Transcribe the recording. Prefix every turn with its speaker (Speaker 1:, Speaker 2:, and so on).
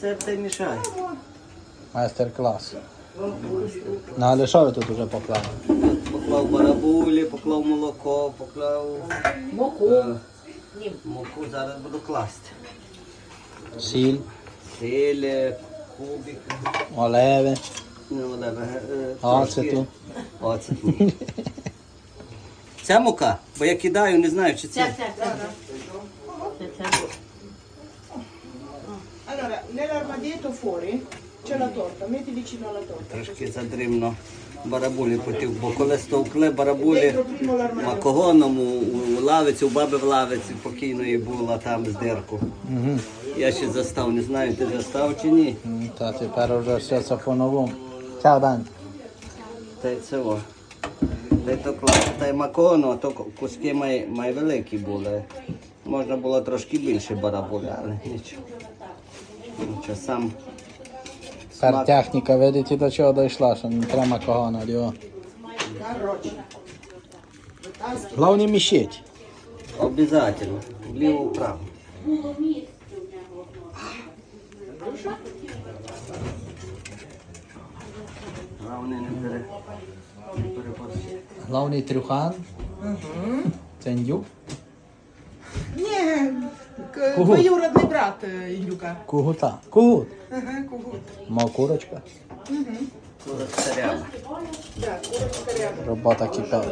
Speaker 1: Майстер та й мішає.
Speaker 2: Майстер-клас. Ну, але що ви тут уже поклали?
Speaker 1: Поклав барабулі, поклав молоко, поклав муку. Зараз буду класти.
Speaker 2: Сіль,
Speaker 1: Сіль, кубик,
Speaker 2: оливи,
Speaker 1: трошки оцету. Ця мука, бо я кидаю, не знаю, чи це.
Speaker 3: Allora, nell'armadietto fuori c'è la torta, metti vicino alla torta.
Speaker 1: Трошки задрібно барабулі потів, бо коли стовкли барабулі
Speaker 3: Dentro primo l'armadio.
Speaker 1: макогоном у лавиці, у баби в лавиці покійної була там з дирку. Я ще застав, не знаю, ти застав чи ні.
Speaker 2: Та тепер вже все це по-новому. Чао, Дань.
Speaker 1: Та й це о. Та й то класно. Та й макогону, а то куски май великі були. Можна було трошки більше барабуля, але нічого. Нічого, сам
Speaker 2: Тепер техніка, видите, до чого дійшла, що не треба макогона, його. Головне мішить.
Speaker 1: обов'язково. Вліво-вправо. Головне не переборщити.
Speaker 2: Головний трюхан. Це індюк.
Speaker 3: Ні,
Speaker 2: Кугут.
Speaker 3: двоюродний брат Індюка.
Speaker 2: Кугута. Кугут.
Speaker 3: Ага, кугут.
Speaker 2: Мав курочка.
Speaker 1: Кура царява.
Speaker 3: Да, курочка рядом.
Speaker 2: Робота кипить.